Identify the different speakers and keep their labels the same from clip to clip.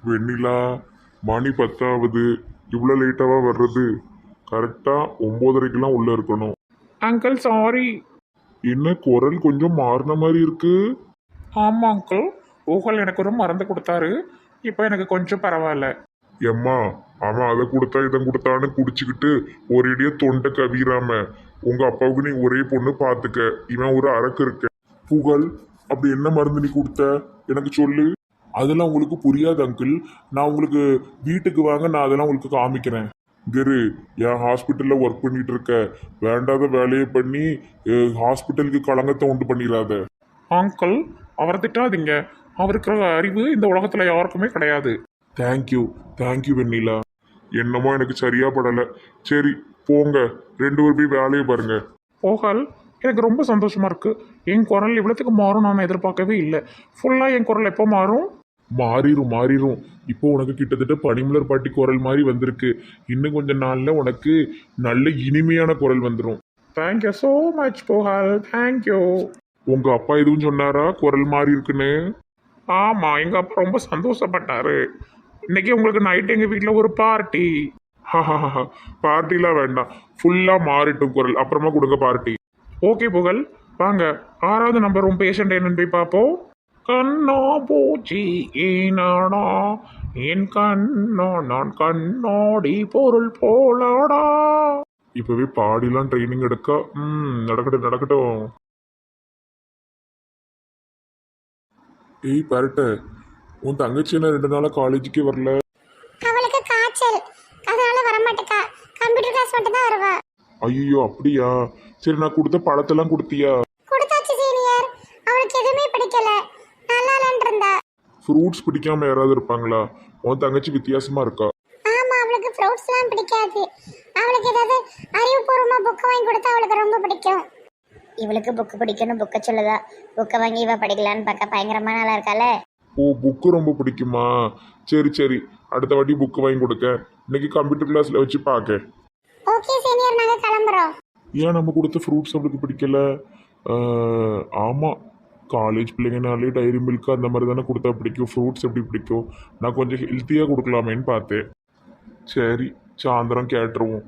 Speaker 1: வெண்ணிலா, மணி 10 இவ்வளோ லேட்டாவா வர்றது? கரெக்டா 9:30க்கெல்லாம் உள்ள இருக்கணும்.
Speaker 2: Uncle sorry.
Speaker 1: என்ன குரல் கொஞ்சம் மாறின மாதிரி இருக்கு?
Speaker 2: ஆமாம் அங்கிள், ஊகல் எனக்கு ஒரு மருந்து கொடுத்தாரு. இப்போ எனக்கு கொஞ்சம் பரவாயில்ல.
Speaker 1: எம்மா, அவன் அதை கொடுத்தா இதை கொடுத்தான்னு குடிச்சுக்கிட்டு ஒரேடியே தொண்டை கவிராம உங்க அப்பாவுக்கு நீ ஒரே பொண்ணு பார்த்துக்க. இவன் ஒரு அரக்கு இருக்க. புகழ், அப்படி என்ன மருந்து நீ கொடுத்த எனக்கு சொல்லு. அதெல்லாம் உங்களுக்கு புரியாது அங்கிள். நான் உங்களுக்கு வீட்டுக்கு வாங்க, நான் அதெல்லாம் உங்களுக்கு காமிக்கிறேன். கரு, என் ஹாஸ்பிட்டலில் ஒர்க் பண்ணிட்டு இருக்க, வேண்டாத வேலையை பண்ணி ஹாஸ்பிட்டலுக்கு களங்கத்தை உண்டு பண்ணிடாத.
Speaker 2: அங்கிள், அவரை திட்டாதீங்க. அவருக்கு அறிவு இந்த உலகத்தில் யாருக்குமே கிடையாது.
Speaker 1: தேங்க்யூ வெண்ணிலா. என்னமோ எனக்கு சரியா படலை. சரி போங்க, 2 பேர் போய் வேலையை பாருங்க.
Speaker 2: ஊகல், எனக்கு ரொம்ப சந்தோஷமா இருக்கு. என் குரல் இவ்வளோத்துக்கு மாறும் நான் எதிர்பார்க்கவே இல்லை. ஃபுல்லாக என் குரல் எப்போ மாறும்?
Speaker 1: மாறிடும். இப்போ உனக்கு கிட்டத்தட்ட பனிமலர் பாட்டி குரல் மாதிரி வந்திருக்கு. இன்னும் கொஞ்ச நாள்ல உனக்கு நல்ல இனிமையான குரல் வந்துடும்.
Speaker 2: Thank you so much Pugazh, thank you.
Speaker 1: உங்க அப்பா எதுவும் சொன்னாரா குரல் மாறி இருக்குன்னு?
Speaker 2: ஆமாம், எங்கள் அப்பா ரொம்ப சந்தோஷப்பட்டாரு. இன்னைக்கு உங்களுக்கு நைட் எங்கள் வீட்டில் ஒரு பார்ட்டி.
Speaker 1: பார்ட்டிலாம் வேண்டாம், ஃபுல்லா மாறிட்டும் குரல், அப்புறமா கொடுங்க பார்ட்டி.
Speaker 2: ஓகே புகழ், வாங்க 6வது நம்பர் உன் பேஷண்ட் என்னன்னு போய் பார்ப்போம். கண்ணா பூச்சி ஏனாடா, என் கண்ணா நான் கண்ணாடி பொருள் போலாடா.
Speaker 1: இப்பவே பாடிலாம் ட்ரைனிங் எடுக்க. நடக்கட்டும். ஏய் பரட்ட, உன் தங்கச்சி என்ன 2 நாளா காலேஜுக்கே வரல?
Speaker 3: அவளுக்கு காய்ச்சல், அதனால வரமாட்டேக்கா. கம்ப்யூட்டர் கிளாஸ் மட்டும் தான் வருவா.
Speaker 1: ஐயோ அப்படியா? சரி, நான் கொடுத்த பழத்தெல்லாம் கொடுத்தியா?
Speaker 3: கொடுத்தாச்சு சீனியர். அவளுக்கு எதுவுமே பிடிக்கல, நல்லா இல்லைன்னு இருந்தா.
Speaker 1: ஃப்ரூட்ஸ் பிடிக்காம யாராவது இருப்பாங்களா? உன் தங்கச்சி வித்தியாசமா இருக்கா.
Speaker 3: ஆமா, அவளுக்கு ஃப்ரூட்ஸ்லாம் பிடிக்காது. அவளுக்கு ஏதாவது அறிவுபூர்வமா புக் வாங்கி கொடுத்தா அவளுக்கு ரொம்ப பிடிக்கும். இவளுக்கு புக்கு பிடிக்கணும், புக்கை சொல்லுதா. புக்கை வாங்கி இவ படிக்கலான்னு பார்க்க பயங்கரமா நல்லா இருக்கால.
Speaker 1: ஓ, புக்கு ரொம்ப பிடிக்குமா? சரி, அடுத்த வாட்டி புக்கு வாங்கி கொடுக்க. இன்னைக்கு கம்ப்யூட்டர் கிளாஸ்ல வச்சு பார்க்க.
Speaker 3: ஓகே சீனியர், நாங்க கிளம்புறோம்.
Speaker 1: ஏன் நம்ம கொடுத்த ஃப்ரூட்ஸ் அவளுக்கு பிடிக்கல? ஆமாம், காலேஜ் பிள்ளைங்கனாலே டைரி மில்க் அந்த மாதிரி தானே கொடுத்தா பிடிக்கும். ஃப்ரூட்ஸ் எப்படி பிடிக்கும்? நான் கொஞ்சம் ஹெல்த்தியாக கொடுக்கலாமேன்னு பார்த்தேன். சரி, சாயந்தரம் கேட்டுருவோம்.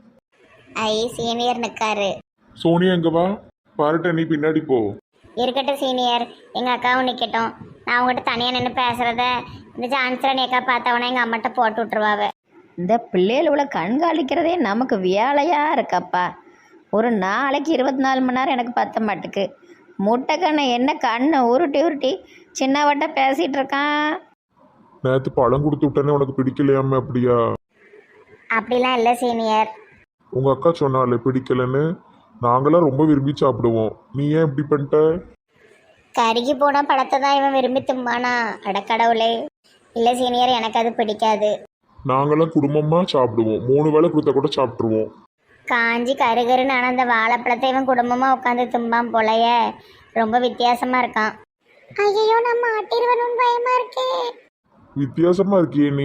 Speaker 3: ஐ, சீனியர் நிக்காரு.
Speaker 1: சோனியா எங்க வா? பாருட்ட, நீ பின்னாடி போ.
Speaker 3: இருக்கட்டும் சீனியர், எங்க அக்காவும் நிக்கட்டும். நான் உங்ககிட்ட தனியா நின்று பேசுறத இந்த ஜான்சரன் அக்கா பார்த்தவொன்னே எங்க அம்மாட்ட போட்டு விட்டுருவாவ.
Speaker 4: இந்த பிள்ளைகளோட கண்காணிக்கிறதே நமக்கு வேலையாக இருக்கப்பா. ஒரு நாளைக்கு 24 மணி நேரம் எனக்கு பத்த மாட்டுக்கு. முட்டை கண்ணை என்ன கண்ணை உருட்டி சின்னவட்ட பேசிகிட்டு இருக்கான்.
Speaker 1: நேற்று பழம் கொடுத்து விட்டேனே, உனக்கு பிடிக்கலையாம? அப்படியா?
Speaker 3: அப்படிலாம் இல்லை சீனியர்.
Speaker 1: உங்க அக்கா சொன்னாலே பிடிக்கலன்னு. நாங்களாம் ரொம்ப விரும்பி சாப்பிடுவோம். நீ ஏன் இப்படி பண்ணிட்ட?
Speaker 3: கருகி போன பழத்தை தான் இவன் விரும்பி தும்பானா? அடக்கடவுளே. இல்லை சீனியர், எனக்கு அது பிடிக்காது.
Speaker 1: நாங்களாம் குடும்பமா சாப்பிடுவோம். 3 வேளை கொடுத்தா கூட சாப்பிட்ருவோம்.
Speaker 3: காஞ்சி கருகருன்னு ஆனால் அந்த வாழைப்பழத்தை இவன் குடும்பமாக உட்காந்து தும்பான் போலைய. ரொம்ப வித்தியாசமா இருக்கான். ஐயோ, நம்ம ஆட்டிடுவனும் பயமா இருக்கே.
Speaker 1: வித்தியாசமா இருக்கியே நீ.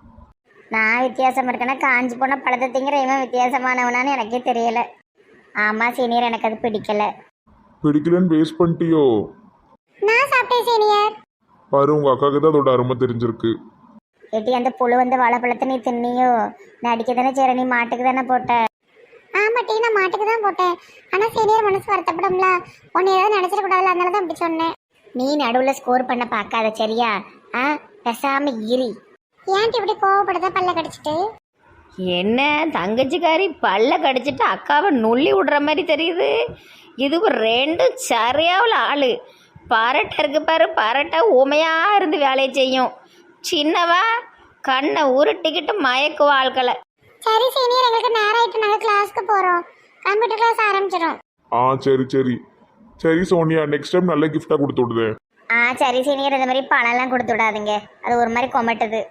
Speaker 3: நான் வித்தியாசமா இருக்கேன்னா காஞ்சி போன பழத்தை திங்கிற இவன் வித்தியாசமானவனான்னு எனக்கே தெரியல. ஆமாம் சீனியர், எனக்கு அது பிடிக்கல.
Speaker 1: பிடிக்கலன்னு வேஸ்ட் பண்ணிட்டியோ?
Speaker 3: நான் சாப்பிட்டேன் சீனியர்.
Speaker 1: பாரு, உங்க அக்காவுக்கு தான் அதோட அருமை தெரிஞ்சிருக்கு.
Speaker 3: எட்டி அந்த புழு வந்த வாழைப்பழத்தை நீ தின்னியோ? நான் அடிக்க தானே சரி, நீ மாட்டுக்கு தானே போட்ட? ஆமா டீ, நான் மாட்டுக்கு தான் போட்டேன். ஆனால் சீனியர் மனசு வருத்தப்படும்ல, உன்னை ஏதாவது நினச்சிடக்கூடாதுல, அதனால தான் அப்படி சொன்னேன். நீ நடுவில் ஸ்கோர் பண்ண பார்க்காத சரியா? பெசாம இரி. ஏன்ட்டு இப்படி கோவப்படுத பல்ல கடிச்சிட்டு?
Speaker 4: என்ன தங்கச்சிக்காரி பல்ல கடிச்சிட்டு அக்காவை நுள்ளி விடுற மாதிரி தெரியுது. இதுவும் 2 சரியாவில் ஆள். பரட்டை இருக்கு பாரு, பரட்டை உமையாக இருந்து வேலையை செய்யும். சின்னவா கண்ணை உருட்டிக்கிட்டு மயக்கு வாழ்க்கலை.
Speaker 3: சரி சீனியர், எங்களுக்கு நேரம் ஆயிட்டு, நாங்கள் கிளாஸ்க்கு போகிறோம். கம்ப்யூட்டர் கிளாஸ் ஆரம்பிச்சிடும்.
Speaker 1: சரி சோனியா, நெக்ஸ்ட் டைம் நல்ல கிஃப்டா கொடுத்து விடுதே.
Speaker 3: சரி சீனியர், இந்த மாதிரி பழம்லாம் கொடுத்து விடாதீங்க, அது ஒரு மாதிரி கொமட்டுது.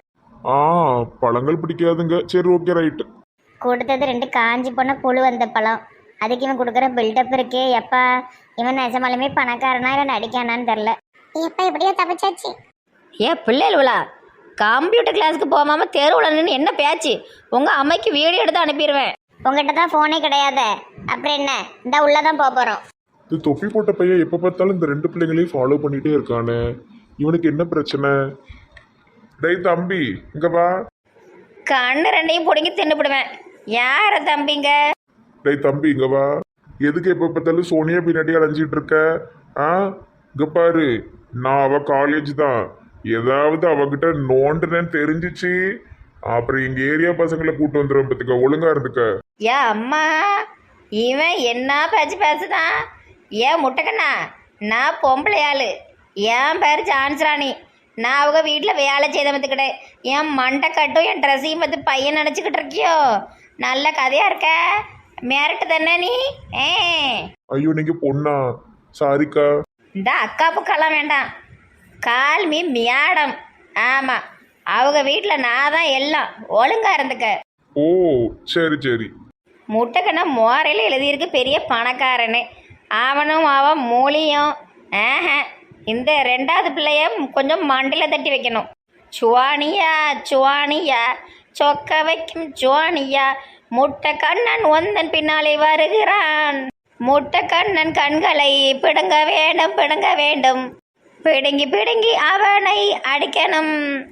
Speaker 1: பழங்கள் பிடிக்காதுங்க. சரி, ஓகே, ரைட்.
Speaker 3: கொடுத்தது 2 காஞ்சி போன புழு வந்த பழம். அதுக்கு இவன் கொடுக்குற பில்டப் இருக்கே எப்பா. இவன் நிஜமாலுமே பணக்காரனா இல்லை நடிக்கானான்னு தெரில. எப்போ எப்படியோ தப்பிச்சாச்சு.
Speaker 4: பிள்ளைகளா கம்ப்யூட்டர் கிளாஸுக்கு போகாம தெருவில் நின்று என்ன பேச்சு? உங்கள் அம்மைக்கு வீடியோ எடுத்து அனுப்பிடுவேன்.
Speaker 3: உங்ககிட்ட தான் ஃபோனே கிடையாது, அப்புறம் என்ன? இந்த உள்ளதான் போக போகிறோம்.
Speaker 1: இது தொப்பி போட்ட பையன் எப்போ பார்த்தாலும் இந்த 2 பிள்ளைங்களையும் ஃபாலோ பண்ணிட்டே இருக்கானே. இவனுக்கு என்ன பிரச்சனை? டேய் தம்பி இங்க வா.
Speaker 4: கண்ணு ரெண்டையும் பிடுங்கி தின்னுபிடுவேன். யார தம்பிங்க?
Speaker 1: டேய் தம்பி இங்க வா. எதுக்கு எப்ப பார்த்தாலும் சோனியா பின்னாடி அலைஞ்சிட்டு இருக்க? ஆ இங்க பாரு, நான் அவ காலேஜ் தான். ஏதாவது அவகிட்ட நோண்டுனேன்னு தெரிஞ்சிச்சு அப்புறம் எங்க ஏரியா பசங்களை கூட்டு வந்துடும். பத்துக்க ஒழுங்கா இருந்துக்க.
Speaker 4: ஏ அம்மா, இவன் என்ன பேச்சு பேசுதான்? ஏன் முட்டைக்கண்ணா, நான் பொம்பளை ஆளு. என் பேர் ஜான்ஸ்ராணி. நான் அவங்க வீட்டில் வேலை செய்த பார்த்துக்கிட்டேன். என் மண்டை கட்டும் என் ட்ரெஸ்ஸையும் பார்த்து பையன் நினச்சிக்கிட்டு இருக்கியோ? நல்ல கதையாக இருக்க. மேரட்டு தானே நீ?
Speaker 1: ஐயோ நீங்க பொண்ணா? சாரிக்கா.
Speaker 4: இந்த அக்கா புக்கெல்லாம் வேண்டாம். Call me madam. ஆமாம், அவங்க வீட்டில் நான் தான் எல்லாம். ஒழுங்கா இருந்துக்க.
Speaker 1: ஓ சரி சரி.
Speaker 4: முட்டைக்கண்ணா மோரையில் எழுதியிருக்கு பெரிய பணக்காரன்னு. அவனும் அவன் மூலியும். இந்த ரெண்டாவது பிள்ளைய கொஞ்சம் மண்டியில் தட்டி வைக்கணும். சுவானியா சுவானியா சொக்க வைக்கும் சுவானியா, முட்டை கண்ணன் ஒந்தன் பின்னாலே வருகிறான். முட்டை கண்ணன் கண்களை பிடுங்க வேண்டும் பிடுங்க வேண்டும், பிடுங்கி பிடுங்கி அவனை அடிக்கணும்.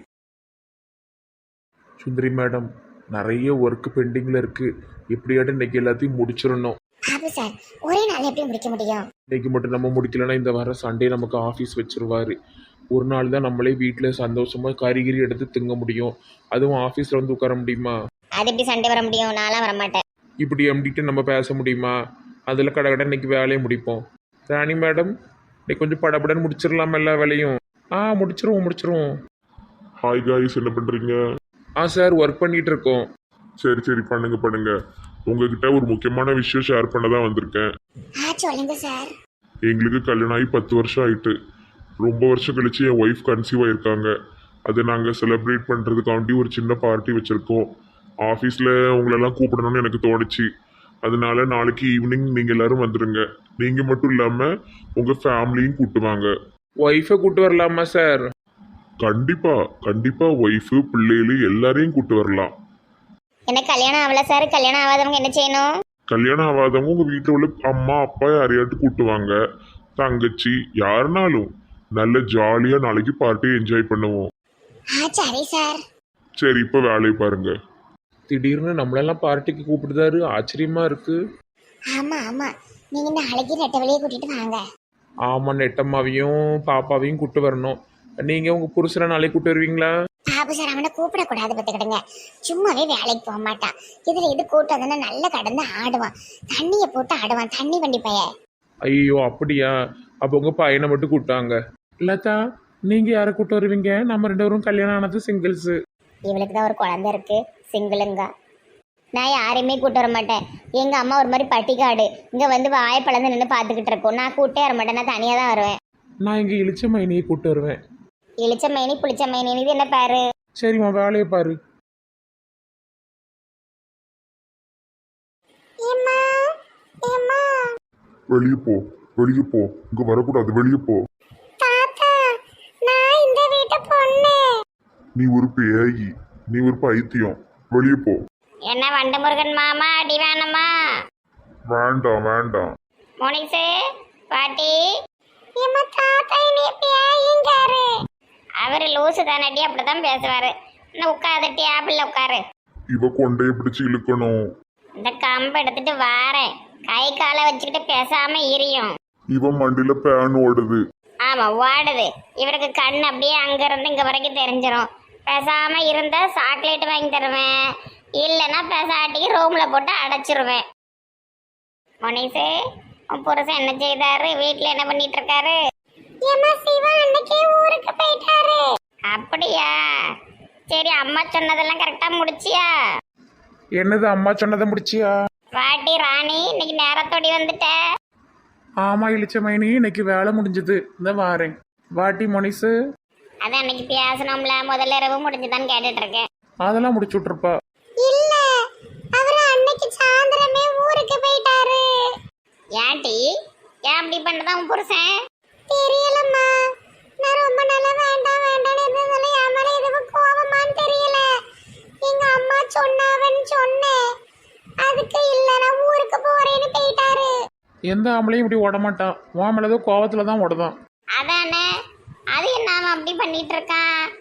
Speaker 2: சுந்தரி மேடம், நிறைய ஒர்க் பெண்டிங்கில் இருக்குது. எப்படியாட்டும் இன்னைக்கு எல்லாத்தையும் முடிச்சிடணும்.
Speaker 3: பாபு சார், ஒரே நாள் எப்படி முடிக்க முடியும்?
Speaker 2: இன்னைக்கு மட்டும் நம்ம முடிக்கலன்னா இந்த வாரம் சண்டே நமக்கு ஆஃபீஸ் வச்சிருவாரு. ஒரு நாள் தான் நம்மளே வீட்டில் சந்தோஷமாக கறிகிரி எடுத்து திங்க முடியும். அதுவும் ஆஃபீஸில் வந்து உட்கார முடியுமா?
Speaker 3: அது எப்படி சண்டே வர முடியும்? நான்லாம் வரமாட்டேன்.
Speaker 2: இப்படி எம்டிட்டு நம்ம பேச முடியுமா? அதில் கடை இன்னைக்கு வேலையை முடிப்போம். ராணி மேடம், இன்னைக்கு கொஞ்சம் படபடன்னு முடிச்சிடலாமா எல்லா வேலையும்? முடிச்சிருவோம்.
Speaker 1: ஹாய் காய்ஸ், என்ன பண்றீங்க?
Speaker 2: சார் ஒர்க் பண்ணிட்டு இருக்கோம்.
Speaker 1: சரி சரி, பண்ணுங்க பண்ணுங்க. உங்ககிட்ட ஒரு முக்கியமான விஷயம் ஷேர் பண்ண தான் வந்திருக்கேன்.
Speaker 3: சொல்லுங்க சார்.
Speaker 1: எங்களுக்கு கல்யாணம் ஆகி 10 வருஷம் ஆயிட்டு. ரொம்ப வருஷம் கழிச்சு என் ஒய்ஃப் கன்சீவ் ஆயிருக்காங்க. அதை நாங்கள் செலிப்ரேட் பண்ணுறதுக்காண்டி ஒரு சின்ன பார்ட்டி வச்சுருக்கோம். ஆஃபீஸில் உங்களெல்லாம் கூப்பிடணும்னு எனக்கு தோணுச்சு. அதனால நாளைக்கு ஈவினிங் நீங்கள் எல்லாரும் வந்துடுங்க. நீங்கள் மட்டும் இல்லாமல் உங்கள் ஃபேமிலியும் கூட்டுவாங்க.
Speaker 2: ஒய்ஃபை கூட்டு வரலாமா சார்?
Speaker 1: கண்டிப்பாக ஒய்ஃபு பிள்ளைகள் எல்லாரையும் கூட்டு வரலாம்.
Speaker 3: எனக்கு கல்யாணம் ஆகல சார். கல்யாணம் ஆகாதவங்க என்ன செய்யணும்?
Speaker 1: கல்யாணம் ஆகாதவங்க உங்கள் வீட்டில் உள்ள அம்மா அப்பா யாரையாட்டு கூட்டுவாங்க. தங்கச்சி யாருனாலும் நல்ல ஜாலியாக நாளைக்கு பார்ட்டியை என்ஜாய் பண்ணுவோம்.
Speaker 3: சரி சார்.
Speaker 1: சரி, இப்போ வேலையை பாருங்க.
Speaker 2: திடீர்னு நம்மளெல்லாம் பார்ட்டிக்கு கூப்பிடுதாரு, ஆச்சரியமா இருக்கு.
Speaker 3: ஆமா, நீங்க நாளைக்கு நெட்ட வெளியே கூட்டிட்டு வாங்க.
Speaker 2: ஆமாம், நெட்டம்மாவையும் பாப்பாவையும் கூட்டு வரணும். நீங்கள் உங்கள் புருஷனை நாளைக்கு கூட்டு வருவீங்களா?
Speaker 3: பாபு சார் அவனை கூப்பிடக்கூடாது பார்த்துக்கிடுங்க. சும்மாவே வேலைக்கு போக மாட்டான். இதுல இது கூட்டு வந்தோன்னா நல்ல கடந்து ஆடுவான். தண்ணியை போட்டு ஆடுவான். தண்ணி வண்டி பைய.
Speaker 2: ஐயோ அப்படியா? அப்போ உங்கள் பையனை மட்டும் கூட்டாங்க. லதா, நீங்கள் யாரை கூட்டு வருவீங்க? நம்ம 2 பேரும் கல்யாணம் ஆனது சிங்கிள்ஸு.
Speaker 3: இவளுக்கு தான் ஒரு குழந்தை இருக்கு, சிங்கிளுங்க. நான் யாரையுமே கூட்டு வர மாட்டேன். எங்க அம்மா ஒரு மாதிரி பட்டிக்காடு இங்க வந்து வாயை பழந்து நின்று பார்த்துக்கிட்டு இருக்கோம். நான் கூட்டே வர மாட்டேன். நான் தனியாக தான் வருவேன்.
Speaker 2: நான் இங்கே இளிச்ச மைனியை கூட்டு வருவேன்.
Speaker 3: இளிச்ச மைனி புளிச்ச மைனி இது என்ன பேரு?
Speaker 2: சரிம்மா, வேலையை பாரு.
Speaker 1: வெளியே போ, இங்க வரக்கூடாது, வெளியே போ. நீ ஒரு பேயி, நீ ஒரு பைத்தியம், வெளியே போ.
Speaker 3: என்ன வண்டு முருகன் மாமா அடி வேணாமா?
Speaker 1: வேண்டாம்.
Speaker 3: மோனிசே பாட்டி, அவரு லூசு தானடி, அப்படிதான் பேசுவாரு. உட்காரு, டேபிள்ல உட்காரு.
Speaker 1: இவ கொண்டைய பிடிச்சு இழுக்கணும்.
Speaker 3: இந்த கம்பை எடுத்துட்டு வாரேன். கை காலை வச்சுக்கிட்டு பேசாம இரியும்.
Speaker 1: இவன் மண்டியில பேன் ஓடுது.
Speaker 3: ஆமா ஓடுது. இவருக்கு கண் அப்படியே அங்க இருந்து இங்க வரைக்கும் தெரிஞ்சிடும். பேசாம இருந்தா சாக்லேட் வாங்கி தருவேன், இல்லைன்னா பேசாட்டிக்கு ரூம்ல போட்டு அடைச்சிருவேன். மொனிசே, உன் புருஷன் என்ன செய்தாரு? வீட்டுல என்ன பண்ணிட்டு இருக்காரு? ஊருக்கு போயிட்டாரு. அப்படியா? சரி, அம்மா சொன்னதெல்லாம் கரெக்டா முடிச்சியா?
Speaker 2: என்னது அம்மா சொன்னதை முடிச்சியா?
Speaker 3: வாட்டி ராணி, இன்னைக்கு நேரத்தோடி வந்துட்ட.
Speaker 2: ஆமா இளிச்ச மைனி, இன்னைக்கு வேலை முடிஞ்சது. இந்த வாரேன். வாட்டி மொனிசு.
Speaker 3: அதான் அன்னைக்கு பேசணும்ல, முதல்ல இரவு முடிஞ்சுதான்னு கேட்டுட்டு இருக்கேன்.
Speaker 2: அதெல்லாம் முடிச்சு விட்டுருப்பா.
Speaker 3: இல்ல, அவரு அன்னைக்கு சாயந்தரமே ஊருக்கு போயிட்டாரு. ஏன்டி, ஏன் அப்படி பண்ணதான் உன் புருஷன்? தெரியலம்மா, நான் ரொம்ப நாளா வேண்டாம்னு இருந்ததால என் மேல எதுவும் கோவமான்னு தெரியல. எங்க அம்மா சொன்னாவன்னு சொன்னேன். அதுக்கு இல்ல, நான் ஊருக்கு போறேன்னு போயிட்டாரு.
Speaker 2: எந்த ஆம்பளையும் இப்படி ஓட மாட்டான். உன் மேலதோ கோவத்துல தான் ஓடுதான்.
Speaker 3: அதானே, அது என்ன அவன் அப்படி பண்ணிட்டு இருக்கான்?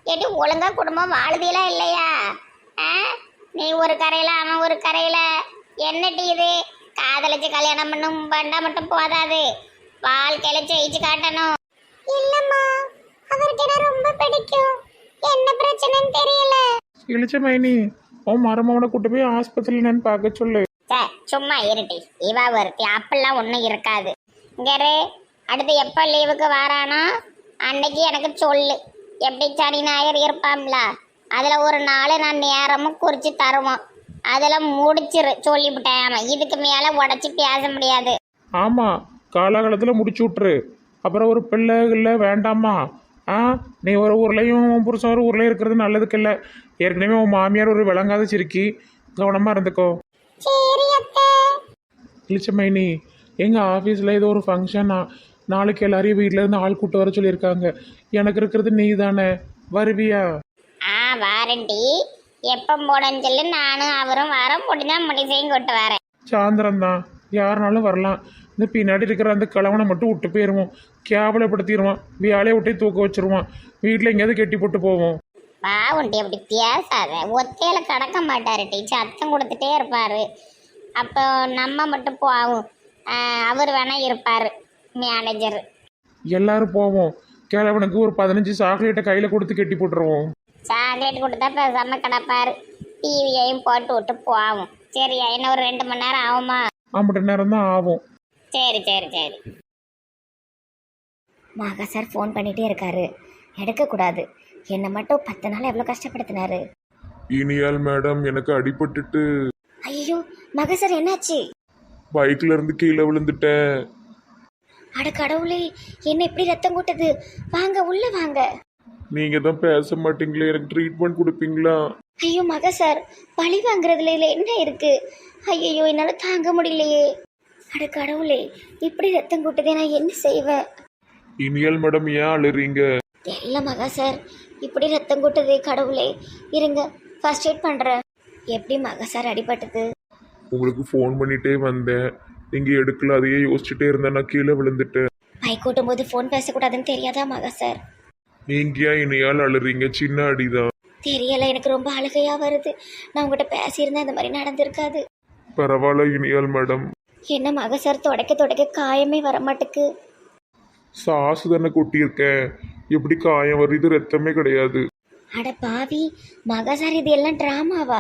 Speaker 3: ஏட்டி ஒழுங்கா குடும்பம் வாழுதியலா இல்லையா? ஆ? நீ ஒரு கரையில அவன் ஒரு கரையில, என்னட்டி இது? காதலிச்சு கல்யாணம் பண்ணும் பண்ணா மட்டும் போதாது, வாழ்க்கையில ஜெயிச்சு காட்டணும். இல்லம்மா, அவருக்கு என்ன ரொம்ப பிடிக்கும். என்ன பிரச்சனைன்னு தெரியல.
Speaker 2: இழிச்ச மைனி உன் மருமவனை கூட்டு போய் ஆஸ்பத்திரியில் என்னன்னு பார்க்க சொல்லு.
Speaker 3: சே, சும்மா இருட்டி. இவா ஒருத்தி, அப்பெல்லாம் ஒன்றும் இருக்காது. இங்கரு, அடுத்து எப்போ லீவுக்கு வரானோ அன்னைக்கு எனக்கு சொல்லு. எப்படி சனி ஞாயிறு இருப்பாம்ல, அதில் ஒரு நாள் நான் நேரமும் குறித்து தருவோம். அதில் முடிச்சிரு சொல்லிவிட்டேன். ஆமாம், இதுக்கு மேலே உடச்சி பேச முடியாது.
Speaker 2: ஆமாம், காலாகாலத்தில் முடிச்சு விட்ரு. அப்புறம் ஒரு பிள்ளை இல்லை வேண்டாமா? ஆ, நீ ஒரு ஊர்லேயும் உன் புருஷன் ஒரு ஊர்லேயும் இருக்கிறது நல்லதுக்கு இல்லை. ஏற்கனவே உன் மாமியார் ஒரு விளங்காத சிரிக்கி, கவனமாக இருந்துக்கோ.
Speaker 3: சரி அத்தை.
Speaker 2: இழிச்ச மைனி, எங்கள் ஆஃபீஸில் ஏதோ ஒரு ஃபங்க்ஷனா, நாளைக்கு எல்லாரையும் வீட்டில் இருந்து ஆள் கூட்டு வர சொல்லியிருக்காங்க. எனக்கு இருக்கிறது நீ தானே, வருவியா?
Speaker 3: ஆ, வாரண்டி. எப்போ போடன்னு சொல்லி நானும் அவரும் வர முடிஞ்சா முடிசையும் கொண்டு வரேன்.
Speaker 2: சாயந்தரம் தான், யாருனாலும் வரலாம். இந்த பின்னாடி இருக்கிற அந்த கிழவனை மட்டும் விட்டு போயிடுவோம், கேவலப்படுத்திடுவான், வேலையை விட்டே தூக்க வச்சிருவான். வீட்டில் எங்கேயாவது கெட்டி போட்டு போவோம்.
Speaker 3: பாவுண்டி, அப்படி பேசாத. ஒத்தையில கடக்க மாட்டாரு டி, சத்தம் கொடுத்துட்டே இருப்பாரு. அப்போ நம்ம மட்டும் போவோம். அவர் வேணா இருப்பாரு மேனேஜர்.
Speaker 2: எல்லாரும் போவோம். கிழவனுக்கு ஒரு 15 சாக்லேட்டை கையில் கொடுத்து கெட்டி போட்டுருவோம்.
Speaker 3: சாக்லேட் கொடுத்தா பேசாம கிடப்பாரு. டிவியையும் போட்டு விட்டு போவோம். சரியா? இன்னும் ஒரு 2 மணி நேரம் ஆகுமா?
Speaker 2: 5 நேரம் தான் ஆகும்.
Speaker 3: சரி சரி சரி.
Speaker 4: மகா சார் ஃபோன் பண்ணிகிட்டே இருக்காரு, எடுக்கக்கூடாது. என்னை மட்டும் 10 நாள் எவ்வளோ கஷ்டப்படுத்தினாரு.
Speaker 1: இனியால் மேடம், எனக்கு அடிபட்டுட்டு
Speaker 4: ஐயோ மகா சார், என்னாச்சு?
Speaker 1: பைக்ல இருந்து கீழே விழுந்துட்டேன்.
Speaker 4: அட கடவுளே, என்ன இப்படி ரத்தம் கூட்டுது? வாங்க உள்ள வாங்க.
Speaker 1: நீங்க தான் பேச மாட்டீங்களே, எனக்கு ட்ரீட்மெண்ட் கொடுப்பீங்களா?
Speaker 4: ஐயோ மகா சார், பழி வாங்குறதுல இல்லை என்ன இருக்கு? ஐயோ என்னால் தாங்க முடியலையே. அட கடவுளே, இப்படி ரத்தம் கூட்டுதே, நான் என்ன செய்வேன்?
Speaker 1: இனியால் மேடம், ஏன் அழுறீங்க?
Speaker 4: தெரியல மகா சார், இப்படி ரத்தம் கூட்டுதே. கடவுளே, இருங்க ஃபர்ஸ்ட் எய்ட் பண்ணுறேன். எப்படி மகா சார் அடிபட்டது?
Speaker 1: உங்களுக்கு ஃபோன் பண்ணிட்டே வந்தேன், நீங்க எடுக்கல. அதையே யோசிச்சுட்டே இருந்தேன், நான் கீழே விழுந்துட்டேன்.
Speaker 4: பைக் ஓட்டும் போது ஃபோன் பேசக்கூடாதுன்னு தெரியாதா மகா சார்?
Speaker 1: நீங்க ஏன் இனியால் அழுறீங்க? சின்ன அடிதான்.
Speaker 4: தெரியல, எனக்கு ரொம்ப அழுகையா வருது. நான் உங்ககிட்ட பேசியிருந்தேன், இந்த மாதிரி நடந்திருக்காது.
Speaker 1: பரவாயில்ல இனியால் மேடம்.
Speaker 4: என்ன மகா சார், தொடக்க காயமே வர மாட்டுக்கு.
Speaker 1: சாசு தானே கொட்டியிருக்கேன், எப்படி காயம் வருது? ரத்தமே கிடையாது.
Speaker 4: அட பாவி மகா சார், இது எல்லாம் ட்ராமாவா?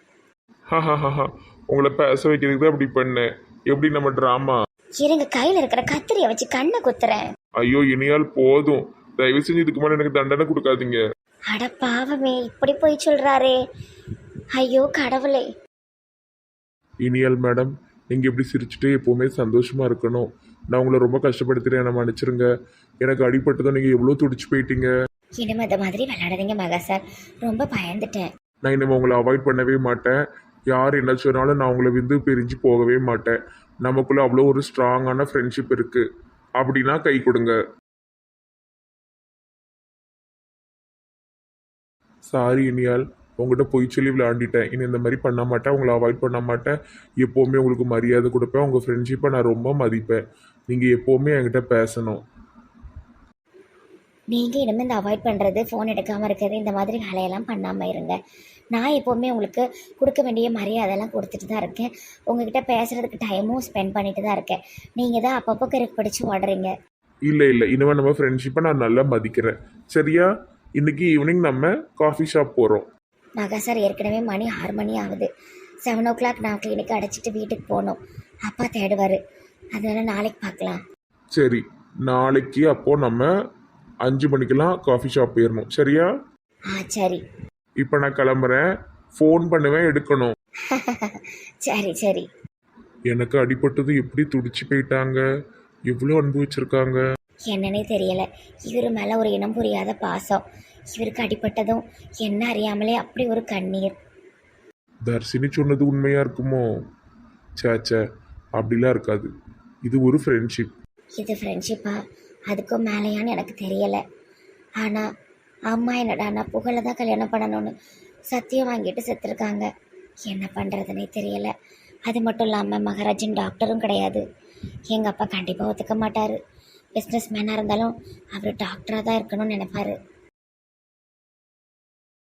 Speaker 1: உங்களை பேச வைக்கிறதுக்கு தான் அப்படி பண்ணேன். எப்படி நம்ம டிராமா?
Speaker 4: இருங்க, கையில இருக்கிற கத்திரியை வச்சு கண்ணை குத்துறேன்.
Speaker 1: ஐயோ இனியால், போதும். தயவு செஞ்சு இதுக்கு மேலே எனக்கு தண்டனை கொடுக்காதீங்க.
Speaker 4: அட பாவமே, இப்படி போய் சொல்றாரே. ஐயோ கடவுளே.
Speaker 1: இனியால் மேடம், நீங்கள் இப்படி சிரிச்சுட்டு எப்போவுமே சந்தோஷமாக இருக்கணும். நான் உங்களை ரொம்ப கஷ்டப்படுத்துகிறேன், என்னை மன்னிச்சிருங்க. எனக்கு அடிபட்டதும் நீங்கள் எவ்வளோ துடிச்சு போயிட்டீங்க.
Speaker 4: இனிமே இந்த மாதிரி விளையாடாதீங்க மகா சார், ரொம்ப பயந்துட்டேன்.
Speaker 1: நான் இனிமேல் உங்களை அவாய்ட் பண்ணவே மாட்டேன். யார் என்ன சொன்னாலும் நான் உங்களை பிரிஞ்சு போகவே மாட்டேன். நமக்குள்ளே அவ்வளோ ஒரு ஸ்ட்ராங்கான ஃப்ரெண்ட்ஷிப் இருக்குது. அப்படின்னா கை கொடுங்க. சாரி இனியால், உங்கள்கிட்ட பொய் சொல்லி விளையாண்டிட்டேன். இனி இந்த மாதிரி பண்ண மாட்டேன், உங்களை அவாய்ட் பண்ண மாட்டேன். எப்போவுமே உங்களுக்கு மரியாதை கொடுப்பேன். உங்கள் ஃப்ரெண்ட்ஷிப்பை நான் ரொம்ப மதிப்பேன். நீங்கள் எப்போவுமே என்கிட்ட பேசணும்.
Speaker 4: நீங்கள் இனிமேல் இந்த அவாய்ட் பண்ணுறது, ஃபோன் எடுக்காமல் இருக்கிறது, இந்த மாதிரி வேலையெல்லாம் பண்ணாமல் இருங்க. நான் எப்போவுமே உங்களுக்கு கொடுக்க வேண்டிய மரியாதைலாம் கொடுத்துட்டு தான் இருக்கேன். உங்ககிட்ட பேசுகிறதுக்கு டைமும் ஸ்பெண்ட் பண்ணிட்டு தான் இருக்கேன். நீங்கள் தான் அப்பப்போ கருக்கு பிடிச்சி ஓடுறீங்க.
Speaker 1: இல்லை இனிமேல் நம்ம ஃப்ரெண்ட்ஷிப்பை நான் நல்லா மதிக்கிறேன். சரியா? இன்னைக்கு ஈவினிங் நம்ம காஃபி ஷாப் போகிறோம்.
Speaker 4: மகா சார், ஏற்கனவே மணி 6 மணி ஆகுது. 7 o'clock நான் கிளினிக் அடைச்சிட்டு வீட்டுக்கு போகணும். அப்பா தேடுவார். அதனால நாளைக்கு பார்க்கலாம்.
Speaker 1: சரி, நாளைக்கு அப்போது நம்ம 5 மணிக்கெல்லாம் காஃபி ஷாப் போயிடணும். சரியா?
Speaker 4: சரி.
Speaker 1: இப்போ நான் கிளம்புறேன். ஃபோன் பண்ணுவேன், எடுக்கணும்.
Speaker 4: சரி சரி.
Speaker 1: எனக்கு அடிபட்டது எப்படி துடிச்சு போயிட்டாங்க, எவ்வளோ அனுபவிச்சிருக்காங்க.
Speaker 4: என்னன்னே தெரியலை, இவர் மேலே ஒரு இனம் புரியாத பாசம். இவருக்கு அடிபட்டதும் என்ன அறியாமலே அப்படி ஒரு கண்ணீர்.
Speaker 1: தர்ஷினி சொன்னது உண்மையாக இருக்குமோ? சேச்சே, அப்படிலாம் இருக்காது. இது ஒரு ஃப்ரெண்ட்ஷிப்.
Speaker 4: இது ஃப்ரெண்ட்ஷிப்பா? அதுக்கும் மேலேயான்னு எனக்கு தெரியலை. ஆனால் அம்மா என்னடா நான் புகழை தான் கல்யாணம் பண்ணணும்னு சத்தியம் வாங்கிட்டு செத்துருக்காங்க. என்ன பண்ணுறதுனே தெரியலை. அது மட்டும் இல்லாமல் மகாராஜன் டாக்டரும் கிடையாது. எங்கள் அப்பா கண்டிப்பாக ஒத்துக்க மாட்டார். பிஸ்னஸ் மேனாக இருந்தாலும் அவர் டாக்டராக தான் இருக்கணும்னு நினைப்பார்.